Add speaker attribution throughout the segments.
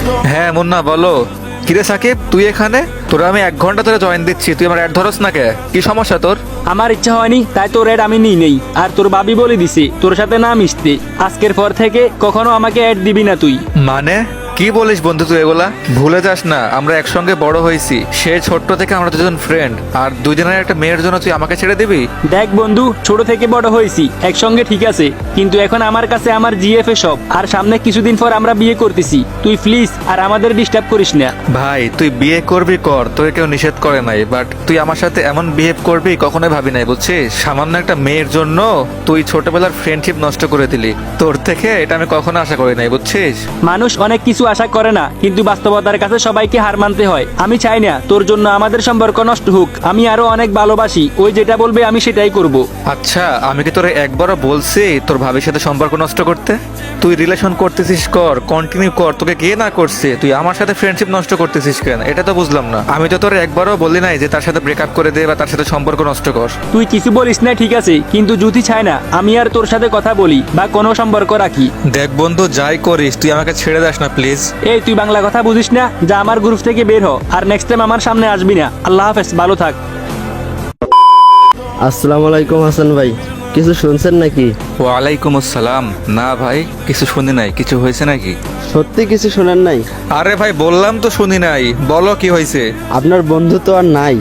Speaker 1: হ্যাঁ মুন্না বলো। কিরে সাকিব, তুই এখানে? তোরা আমি 1 ঘন্টা ধরে জয়েন দিচ্ছি, তুই আমার অ্যাড ধরস না কে? কি সমস্যা তোর?
Speaker 2: আমার ইচ্ছা হয়নি তাই তোর অ্যাড আমি নিই নেই। আর তোর ভাবি বলে দিছে তোর সাথে না মিশতে। আজকের পর থেকে কখনো আমাকে অ্যাড দিবি না তুই।
Speaker 1: মানে কি বলিস বন্ধু তুই এগুলা? ভুলে যাস না আমরা একসঙ্গে বড় হয়েছি, সে ছোট্ট থেকে আমরা দুজন ফ্রেন্ড, আর দুজনের একটা মেয়ের জন্য তুই আমাকে ছেড়ে দিবি?
Speaker 2: দেখ বন্ধু, ছোট থেকে বড় হয়েছি একসঙ্গে, ঠিক আছে, কিন্তু এখন আমার কাছে আমার জিএফএ সব। আর সামনে কিছুদিন পর আমরা বিয়ে করতেছি, তুই প্লিজ আর আমাদের ডিস্টার্ব করিস না।
Speaker 1: ভাই তুই বিয়ে করবি কর, তোকে কেউ নিষেধ করে নাই, বাট তুই আমার সাথে এমন বিহেভ করবি কখনোই ভাবি নাই, বুঝছিস? সামান্য একটা মেয়ের জন্য তুই ছোটবেলার ফ্রেন্ডশিপ নষ্ট করে দিলি। তোর থেকে এটা আমি কখনো আশা করি নাই, বুঝছিস?
Speaker 2: মানুষ অনেক কিছু আশা করে না, কিন্তু বাস্তবতার কাছে সবাইকে হার মানতে হয়। আমি চাই না তোর জন্য আমাদের সম্পর্ক নষ্ট হোক। আমি আরো অনেক ভালোবাসি, ওই যেটা বলবে আমি সেটাই করব।
Speaker 1: আচ্ছা আমি কি তোরে একবারও বলছি তোর ভাবির সাথে সম্পর্ক নষ্ট করতে? তুই রিলেশন করতেছিস কর, কন্টিনিউ কর, তোকে কে না করছে? তুই আমার সাথে ফ্রেন্ডশিপ নষ্ট করতেছিস কেন? এটা তো বুঝলাম না। আমি তো তোর একবারও বলি নাই যে তার সাথে ব্রেকআপ করে দে বা তার সাথে সম্পর্ক নষ্ট কর।
Speaker 2: তুই কিছু বলিস না ঠিক আছে, কিন্তু যদি চায় না আমি আর তোর সাথে কথা বলি বা কোনো সম্পর্ক রাখি।
Speaker 1: দেখ বন্ধু, যাই করিস তুই আমাকে ছেড়ে দাস না প্লিজ।
Speaker 2: এই তুই বাংলা কথা বুঝিস না? যা আমার গ্রুপ থেকে বের হ, আর নেক্সট টাইম আমার সামনে আসবি না। আল্লাহ হাফেজ, ভালো থাক।
Speaker 3: আসসালামু আলাইকুম হাসান ভাই, কিছু শুনছেন নাকি?
Speaker 1: ওয়ালাইকুম আসসালাম। না ভাই কিছু শুনি নাই, কিছু হয়েছে নাকি?
Speaker 3: সত্যি কিছু শোনেন নাই?
Speaker 1: আরে ভাই বললাম তো শুনি নাই, বলো কি হয়েছে?
Speaker 3: আপনার বন্ধু তো আর নাই।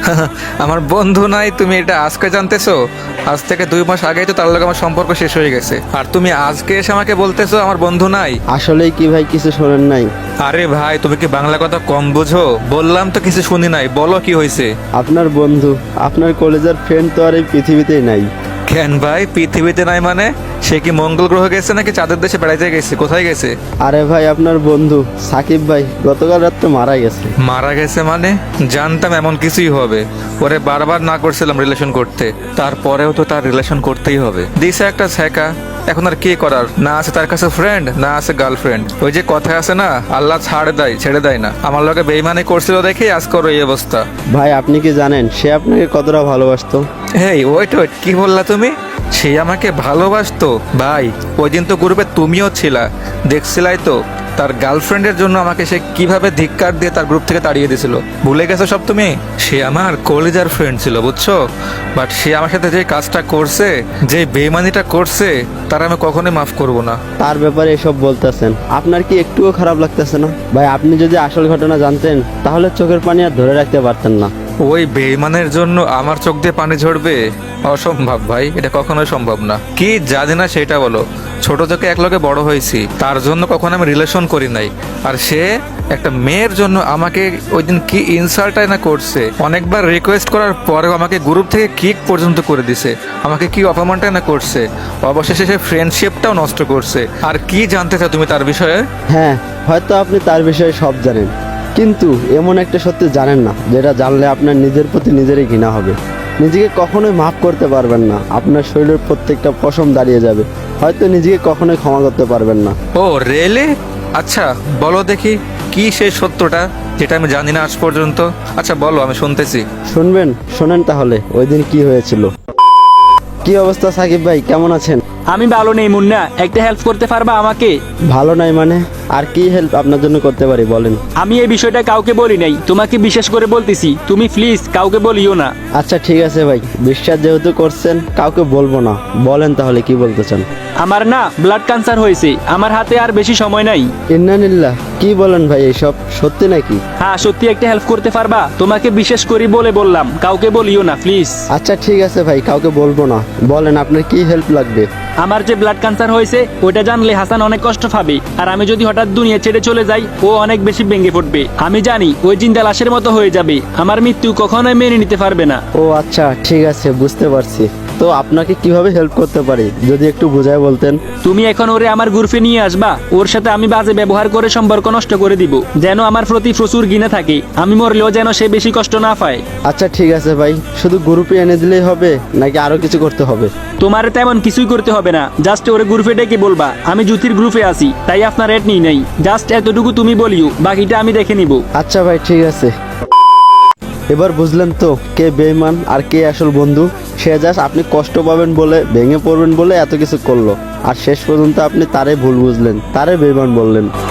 Speaker 1: আমার বন্ধু নাই? তুমি এটা আজকে জানতেছো? আজ থেকে 2 মাস আগেই তো তার লগে আমার সম্পর্ক শেষ হয়ে গেছে, আর তুমি আজকে এসে আমাকে বলতেছো আমার বন্ধু নাই?
Speaker 3: আসলেই কি ভাই কিছু শোনেন নাই?
Speaker 1: আরে ভাই তুমি কি বাংলা কথা কম বুঝো? বললাম তো কিছু শুনি নাই, বলো কি হয়েছে?
Speaker 3: আপনার বন্ধু, আপনার কলেজের ফ্রেন্ড তো আর এই পৃথিবীতেই নাই।
Speaker 1: কেন ভাই পৃথিবীতে নাই মানে? সে কি মঙ্গল গ্রহ গেছে নাকি চাঁদের দেশে বেড়াইতে গেছে? কোথায় গেছে?
Speaker 3: আরে ভাই আপনার বন্ধু সাকিব ভাই গতকাল রাত্রে মারা গেছে।
Speaker 1: মারা গেছে মানে? জানতাম এমন কিছুই হবে। ওরে বারবার না করছিলাম রিলেশন করতে, তারপরেও তো তার রিলেশন করতেই হবে। দিছে একটা ছ্যাঁকা, এখন আর কি করার? না আছে তার কাছে ফ্রেন্ড, না আছে গার্লফ্রেন্ড। ওই যে কথা আছে না, আল্লাহ ছাড় দেয় ছেড়ে দেয় না। আমার লগে বেইমানি করছিল দেখে আজ করো এই অবস্থা।
Speaker 3: ভাই আপনি কি জানেন সে আপনাকে কতটা ভালোবাসতো?
Speaker 1: এই ওয়েট ওয়েট, কি বললা তুমি? সে আমাকে ভালোবাসতো? ভাই ওই দিন তো গ্রুপে তুমিও ছিলা, দেখছিলাই তো তার গার্লফ্রেন্ডের জন্য আমাকে সে কিভাবে ধিক্কার দিয়ে তার গ্রুপ থেকে তাড়িয়ে দিয়েছিল। ভুলে গেছো সব তুমি? সে আমার কলেজার ফ্রেন্ড ছিল, বুঝছো? বাট সে আমার সাথে যে কাজটা করছে, যে বেইমানিটা করছে, তার আমি কখনোই মাফ করব না।
Speaker 3: তার ব্যাপারে এসব বলতেছেন, আপনার কি একটুও খারাপ লাগতেছে না? ভাই আপনি যদি আসল ঘটনা জানতেন তাহলে চোখের পানি আর ধরে রাখতে পারতেন না।
Speaker 1: ওই বেইমানের জন্য আমার চোখ দিয়ে পানি ঝরবে? অসম্ভব ভাই, এটা কখনোই সম্ভব না। কি জানি না সেটা বলো। ছোট থেকে একলগে বড় হয়েছি, তার জন্য কখনো আমি রিলেশন করি নাই, আর সে একটা মেয়ের জন্য আমাকে ওই দিন কি ইনসাল্টাই না করছে। অনেকবার রিকোয়েস্ট করার পরেও আমাকে গ্রুপ থেকে কিক পর্যন্ত করে দিছে, আমাকে কি অপমানটাই না করছে। অবশেষে সে ফ্রেন্ডশিপটাও নষ্ট করছে। আর কি জানতে চাও তুমি তার বিষয়ে?
Speaker 3: হ্যাঁ, হয়তো আপনি তার বিষয়ে সব জানেন, কিন্তু এমন একটা সত্যি জানেন না যেটা জানলে আপনার নিজের প্রতি নিজেরই ঘৃণা হবে। নিজেকে কখনোই মাফ করতে পারবেন না, আপনার শরীরের প্রত্যেকটা পশম দাঁড়িয়ে যাবে। হয়তো নিজেকে কখনোই ক্ষমা করতে পারবেন না।
Speaker 1: Oh really? আচ্ছা বলো দেখি কি সেই সত্যটা যেটা আমি জানি না আজ পর্যন্ত। আচ্ছা বলো, আমি শুনতেছি।
Speaker 3: শুনবেন? শোনেন তাহলে ওই দিন কি হয়েছিল। কি অবস্থা সাকিব ভাই, কেমন আছেন?
Speaker 2: আমি ভালো নেই মুন্না, একটা হেল্প করতে পারবা আমাকে?
Speaker 3: ভালো নাই মানে? আর কি হেল্প আপনার জন্য করতে পারি বলেন?
Speaker 2: আমি এই বিষয়টা কাউকে বলি নাই, তোমাকে বিশেষ করে বলতেছি, তুমি প্লিজ কাউকে বলিও না।
Speaker 3: আচ্ছা ঠিক আছে ভাই, বিশ্বাস যেহেতু করছেন কাউকে বলবো না। বলেন তাহলে কি বলতে চান?
Speaker 2: আমার না ব্লাড ক্যান্সার হয়েছে, আমার হাতে আর বেশি সময় নাই।
Speaker 3: ইন্নানিল্লাহ, কি বলেন ভাই, এইসব সত্যি নাকি?
Speaker 2: হ্যাঁ সত্যি, একটা হেল্প করতে পারবা? তোমাকে বিশেষ করে বলে বললাম, কাউকে বলিও না প্লিজ।
Speaker 3: আচ্ছা ঠিক আছে ভাই, কাউকে বলবো না। বলেন আপনার কি হেল্প লাগবে?
Speaker 2: আমার যে ব্লাড ক্যান্সার হয়েছে ওটা জানলে হাসান অনেক কষ্ট পাবে, আর আমি যদি হঠাৎ দুনিয়া ছেড়ে চলে যাই ও অনেক বেশি ভেঙে পড়বে। আমি জানি ওই জিন্দা লাশের মতো হয়ে যাবে, আমার মৃত্যু কখনোই মেনে নিতে পারবে না।
Speaker 3: ও আচ্ছা ঠিক আছে, বুঝতে পারছি। তো আপনাকে কিভাবে হেল্প করতে পারি যদি একটু বুঝায় বলতেন?
Speaker 2: তুমি এখন ওরে আমার গ্রুপে নিয়ে আসবা, ওর সাথে আমি বাজে ব্যবহার করে সম্পর্ক নষ্ট করে দিব, যেন আমার প্রতি প্রচুর ঘৃণা থাকে। আমি মরলেও যেন সে বেশি কষ্ট না পায়।
Speaker 3: আচ্ছা ঠিক আছে ভাই, শুধু গ্রুপে এনে দিলেই হবে নাকি আরো কিছু করতে হবে?
Speaker 2: তোমার তেমন কিছুই করতে হবে না, জাস্ট ওরে গ্রুপে ডেকে বলবা আমি জ্যোতির গ্রুপে আছি, তাই আপনার রেট নিই নাই। জাস্ট এতটুকু তুমি বলিও, বাকিটা আমি দেখে নিব।
Speaker 3: আচ্ছা ভাই ঠিক আছে। এবার বুঝলেন তো কে বেঈমান আর কে আসল বন্ধু? সে জাস্ট আপনি কষ্ট পাবেন বলে, ভেঙে পড়বেন বলে এত কিছু করলো, আর শেষ পর্যন্ত আপনি তারে ভুল বুঝলেন, তারে বেঈমান বললেন।